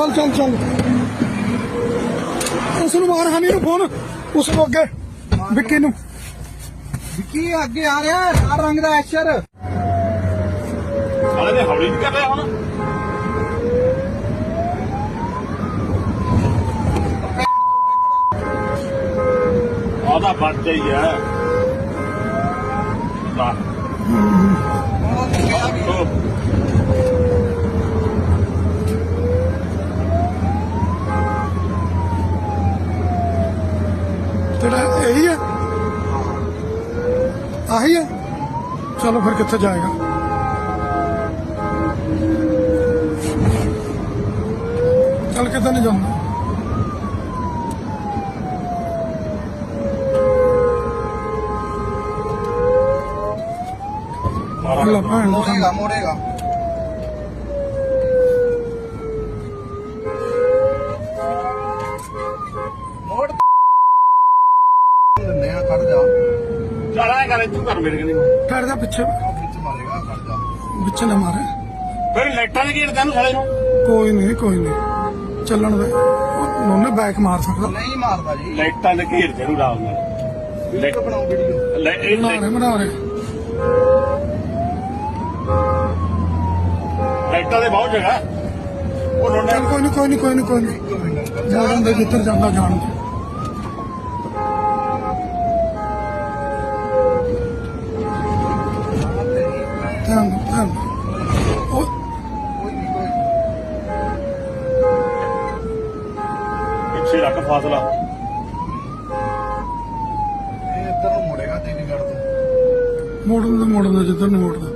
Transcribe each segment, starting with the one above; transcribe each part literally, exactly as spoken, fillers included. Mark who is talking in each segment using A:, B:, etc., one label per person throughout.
A: चल चल चल उसनू मार हनी नू फोन उसनू अगे विक्की नू
B: विक्की अगे आ रहा लाल रंग दा एशर
C: साले ने हौली नहीं कर रहा हुण आधा बच गई है
A: तेरा यही है आही है चलो फिर कितने जाएगा चल कितने नहीं जाऊंगा
B: मोड़ेगा मोड़ेगा मोड़ नया खड़ जा
C: चल आए कर तू कर मेरे कनी
A: ठहर जा पीछे
B: पीछे मारेगा खड़ जा
A: पीछे ना मारे
C: फिर लाइटां लगी तेन साले नु
A: कोई नहीं कोई नहीं चलन दे उन्होंने बैक मार सकता
B: नहीं मारदा जी
C: लाइटां ने घेर जरूर आव में
B: वीडियो बनाओ वीडियो
A: बना रहे बना रहे
C: लाइटां दे बहुत जगह उन्होंने
A: चल कोई नहीं कोई नहीं कोई नहीं कोई नहीं मॉडर्न दे जिधर जाना जान दे ध्यान दो ध्यान दो ओ-
C: पीछे रख फासला
B: इधर ਨੂੰ ਮੁੜੇਗਾ ਚੰਡੀਗੜ੍ਹ ਤੋਂ
A: ਮੋੜਨ ਦਾ ਮੋੜਨ ਦਾ ਜਿੱਧਰ ਨੂੰ ਮੋੜਦਾ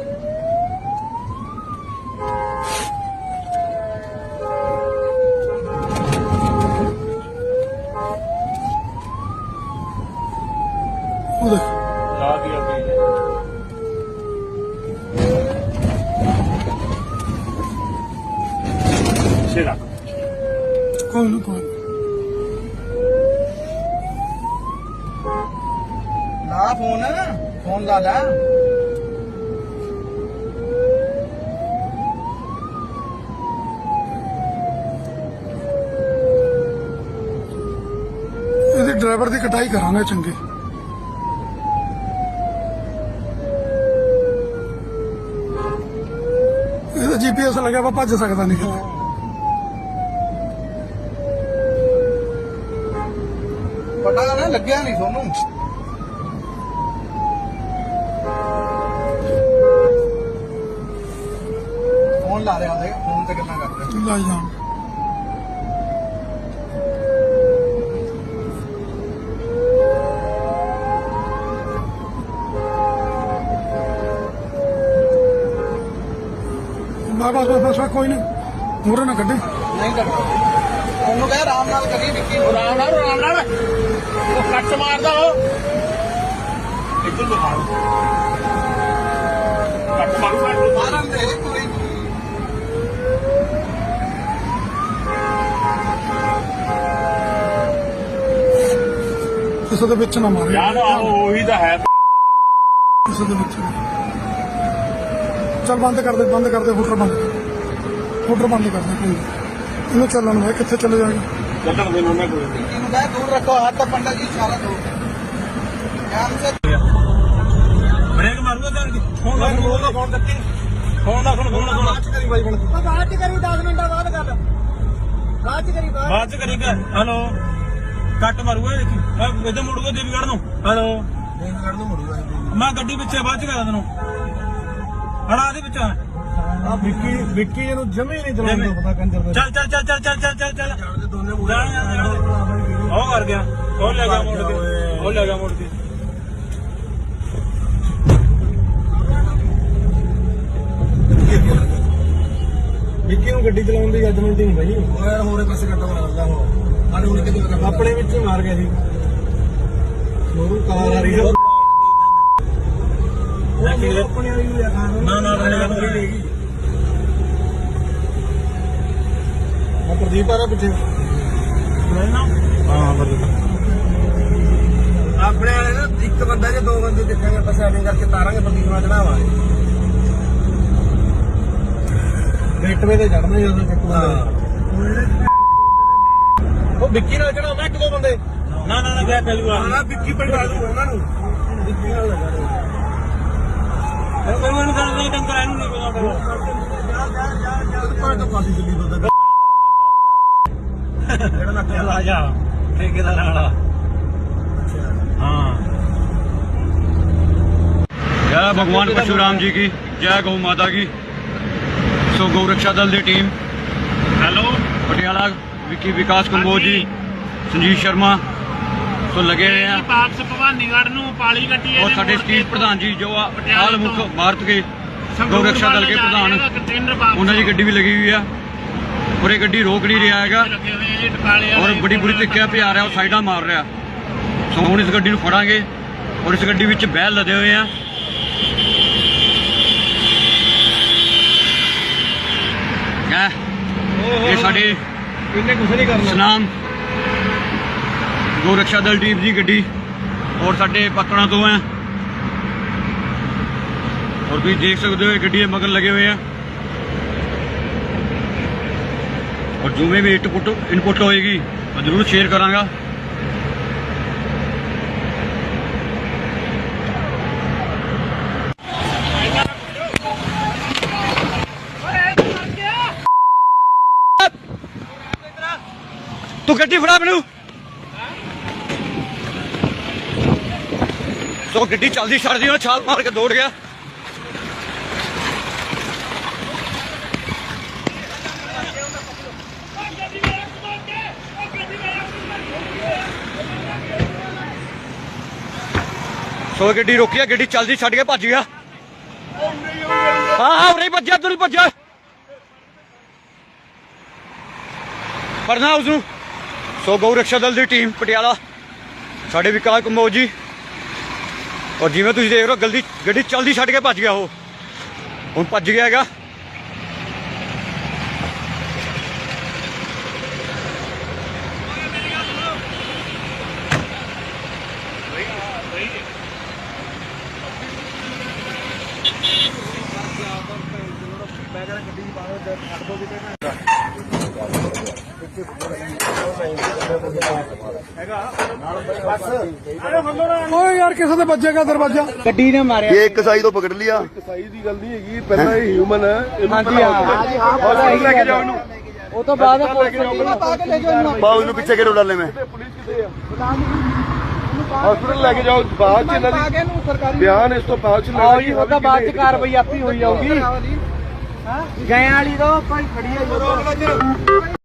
A: ਉਹ ਦੇਖ
C: ला दिया भाई पीछे रख
A: ਕੋਈ ਨਾ ਕੋਈ
B: ਲਾ ਫੋਨ ਫੋਨ ਲਾ ਲੈ
A: ਇਹਦੇ ਡਰਾਈਵਰ ਦੀ ਕਟਾਈ ਕਰਾਂਗੇ ਚੰਗੀ ਇਹਦਾ ਜੀਪੀਐਸ ਲੱਗਿਆ ਵਾ ਭੱਜ ਸਕਦਾ ਨਹੀਂ ਕਿਤੇ
B: ਪਤਾ ਨਾ ਲੱਗਿਆ ਨਹੀਂ ਤੁਹਾਨੂੰ ਫੋਨ ਲਾ ਰਿਹਾ ਉਹਦੇ ਫੋਨ ਤੇ ਗੱਲਾਂ ਕਰ ਰਿਹਾ
A: ਲੈ ਜਾਣ ਬਸ ਬਸ ਬਸ ਬਸ ਕੋਈ ਨਹੀਂ ਮੂਹਰੇ ਨਾ ਕੱਢੇ
B: ਨਹੀਂ ਕਰਦਾ ਉਹਨੂੰ ਕਹਿ ਆਰਾਮ ਨਾਲ ਕਰੀ ਵਿੱਕੀ ਨੂੰ
C: राम नाल राम नाल वो कट मारदा हो इधर दिखा कट मारू कट
B: ਮਾਰਨ ਦੇ ਕੋਈ
A: ਕਿਸੇ ਦੇ ਵਿੱਚ ਨਾ ਮਾਰੇ
C: यार वही तो है
A: ਕਿਸੇ ਦੇ ਵਿੱਚ ਨਾ। ਚੱਲ ਬੰਦ ਕਰ ਦੇ ਬੰਦ ਕਰ ਦੇ ਫੁੱਟਰ ਬੰਦ ਕਰ ਫੁੱਟਰ ਬੰਦ ਕਰ ਦੇ ਕੋਈ ਨੀ। ਇਹਨੂੰ ਚੱਲਣ ਦੇ ਕਿੱਥੇ ਚਲੇ ਜਾਏਗਾ
C: चलन दे उन्होंने कोई
B: ਵਿੱਕੀ ਨੂੰ ਕਹਿ ਦੂਰ ਰੱਖੋ ਹੱਥ ਪੰਡਾ ਜੀ ਇਸ਼ਾਰਾ ਦੋ ਧਿਆਨ ਸੇ
C: ब्रेक मारूंगा जान की फोन ला फोन ला फोन करके फोन ला फोन फोन ला
B: ਬਾਅਦ ਚ ਕਰੀ ਬਾਈ ਬਣ ਕੇ
D: ਬਾਅਦ ਚ ਕਰੀ ਦਸ ਮਿੰਟਾਂ ਬਾਅਦ ਕਰ ਬਾਅਦ ਚ ਕਰੀ ਬਾਅਦ
C: बाद च करेगा हेलो कट मारूंगा देखी इधर मुड़ूंगा देवीगढ़ नु हेलो
B: ਦੇਵਗੜ ਨੂੰ ਮੁੜੂਗਾ
C: मैं गड्डी पिछे बाद च करा देनो हड़ा दे पिछे
B: ਆ ਵਿੱਕੀ ਵਿੱਕੀ ਇਹਨੂੰ ਜਮੇ ਨਹੀਂ ਚਲਾਉਂਦਾ ਪਤਾ ਕੰਜਰ ਦਾ
C: चल चल चल चल चल चल चल चल
B: ਜਾਣਦੇ ਦੋਨੇ
C: जान जान जान ओ कर गया ओ ले गया मोड़ के ओ ले गया मोड़ के
B: ਵਿੱਕੀ ਨੂੰ ਗੱਡੀ ਚਲਾਉਣ ਦੀ ਜੱਜਮੈਂਟ ਨਹੀਂ ਬਾਈ ਉਹ ਯਾਰ ਹੋਰੇ ਪਾਸੇ ਕੱਟਾ ਮਾਰਦਾ ਉਹ ਸਾਡੇ ਹੁਣ ਕਿਤੇ ਆਪਣੇ ਵਿੱਚ ਹੀ ਮਾਰ ਗਿਆ ਸੀ ਉਹਨੂੰ ਕਾਰ ਆ ਰਹੀ ਹੈ ਆਪਣੇ ਵਾਲੀ ਨੂੰ ਖਾਣ
C: ना ना ना
B: ਆ ਪ੍ਰਦੀਪ ਆ ਰਿਹਾ ਪਿੱਛੇ
C: ना
B: ਹਾਂ ਬਰਦਰ ਆਪਣੇ ਵਾਲੇ ਨਾ ਇੱਕ ਬੰਦਾ ਜੇ ਦੋ ਬੰਦੇ ਦੇਖਾਂਗੇ ਆਪਾਂ ਸੈਟਿੰਗ ਕਰਕੇ ਤਾਰਾਂਗੇ ਪ੍ਰਦੀਪ ਨਾਲ ਚੜਾਵਾਂਗੇ ਗੇਟਵੇ ਤੇ ਚੜਨਾ ਜਦੋਂ ਇੱਕ ਬੰਦਾ ਉਹ ਵਿੱਕੀ ਨਾਲ ਚੜਾਉਂਦਾ ਇੱਕ ਦੋ ਬੰਦੇ
C: ਨਾ ਨਾ ਨਾ ਗਿਆ ਪਹਿਲੂ ਆ
B: ਨਾ ਵਿੱਕੀ ਪਿੰਡਾ ਦੂ ਉਹਨਾਂ ਨੂੰ ਵਿੱਕੀ ਨਾਲ ਲਗਾ
C: ਕੋਈ ਮੈਨੂੰ ਕਰਦੇ ਡੰਗਰ ਇਹਨੂੰ ਨਹੀਂ ਪਤਾ ਕਰੋ
B: ਭਾਵੇਂ ਤਾਂ ਫਾਸੀ ਚੱਲੀ ਬੰਦਾ
C: ਜਿਹੜਾ ਨੱਕਿਆ ਲਾ ਜਾ ਠੇਕੇਦਾਰ ਵਾਲਾ हाँ।
E: जय भगवान परशुराम जी की जय गौ माता की। सो गौ रक्षा दल की टीम
C: हेलो
E: पटियाला विकी विकास कंबोज जी संजीव शर्मा तो लगे हुए हैं
C: पाक्स भवानीगढ़ ਨੂੰ ਪਾਲੀ ਗੱਡੀ
E: और साढ़े स्टील प्रधान जी जो हाल मुख भारत के गौ रक्षा दल के प्रधान उन्होंने गड्डी भी लगी हुई है और ये गड्डी रोक नहीं रहा है और बड़ी बुरी तरीके पे आ रहा है और साइडा मार रहा है। सो ਹੁਣ ਇਸ ਗੱਡੀ ਨੂੰ ਫੜਾਂਗੇ ਔਰ ਇਸ ਗੱਡੀ ਵਿੱਚ ਬੈਲ ਲੱਦੇ ਹੋਏ ਆ। ਇਹ ਸਾਡੇ
B: ਇਹਨੇ ਕੁਝ ਨਹੀਂ ਕਰਨਾ
E: ਸਨਾਮ ਗੋ ਰਕਸ਼ਾ ਦਲ ਟੀਮ ਦੀ ਗੱਡੀ ਔਰ ਸਾਡੇ ਪਤਣਾ ਤੋਂ ਹੈ ਔਰ ਤੁਸੀਂ ਦੇਖ ਸਕਦੇ ਹੋ ਇਹ ਗੱਡੀ ਦੇ ਮਗਰ ਲੱਗੇ ਹੋਏ ਆ ਔਰ ਜਿਵੇਂ ਵੀ ਇਨਪੁਟ ਇਨਪੁਟ ਹੋਏਗੀ ਮੈਂ ਜ਼ਰੂਰ ਸ਼ੇਅਰ ਕਰਾਂਗਾ। तू गड्डी फड़ा मैनू तो गड्डी चलती छड़ दी छाल मार के दौड़ गया। सो गड्डी रोकी है गड्डी चलती छड़ के भज गया। हाँ हाँ उरे भज्या तू भज्या फड़ना उसनू। सो गौ रक्षा दल की टीम पटियाला साढ़े विकास कंबोज जी और जिवें तुसीं देख रहे हो गलती गड्डी चलती छड्ड के भज गया वो हुण भज गया हैगा।
A: ਓਏ ਯਾਰ ਕਿਸੇ ਦੇ ਵੱਜੇਗਾ ਦਰਵਾਜ਼ਾ
D: ਗੱਡੀ ਨੇ ਮਾਰਿਆ
F: ਇਹ ਇੱਕ ਸਾਈ ਤੋਂ ਪਕੜ ਲਿਆ
B: ਸਾਈ ਦੀ ਗੱਲ ਨਹੀਂ ਹੈਗੀ ਪਹਿਲਾਂ ਇਹ ਹਿਊਮਨ ਹੈ ਇਹਨੂੰ
D: ਹਾਂਜੀ ਹਾਂ
B: ਹਸਪੀਟਲ ਲੈ ਕੇ ਜਾਓ ਇਹਨੂੰ
D: ਉਹ ਤੋਂ ਬਾਅਦ ਪੁਲਿਸ ਪਾ ਕੇ ਲੈ ਜਾਓ ਇਹਨੂੰ
F: ਪਾਉ ਨੂੰ ਪਿੱਛੇ ਕਿਹੜੇ ਡਾਲੇ ਮੈਂ
B: ਪੁਲਿਸ ਕਿੱਥੇ ਆ ਹਸਪੀਟਲ ਲੈ ਕੇ ਜਾਓ ਬਾਅਦ ਚ ਇਹਨਾਂ
D: ਪਾ ਕੇ ਇਹਨੂੰ ਸਰਕਾਰੀ
B: ਬਿਆਨ ਇਸ ਤੋਂ ਬਾਅਦ ਚ
D: ਆਓ ਜੀ ਉਹ ਤਾਂ ਬਾਅਦ ਚ ਕਾਰਵਾਈ ਆਪੀ ਹੋਈ ਜਾਊਗੀ ਹਾਂ ਗਏ ਵਾਲੀ ਤੋਂ ਕੋਈ ਖੜੀ ਹੈ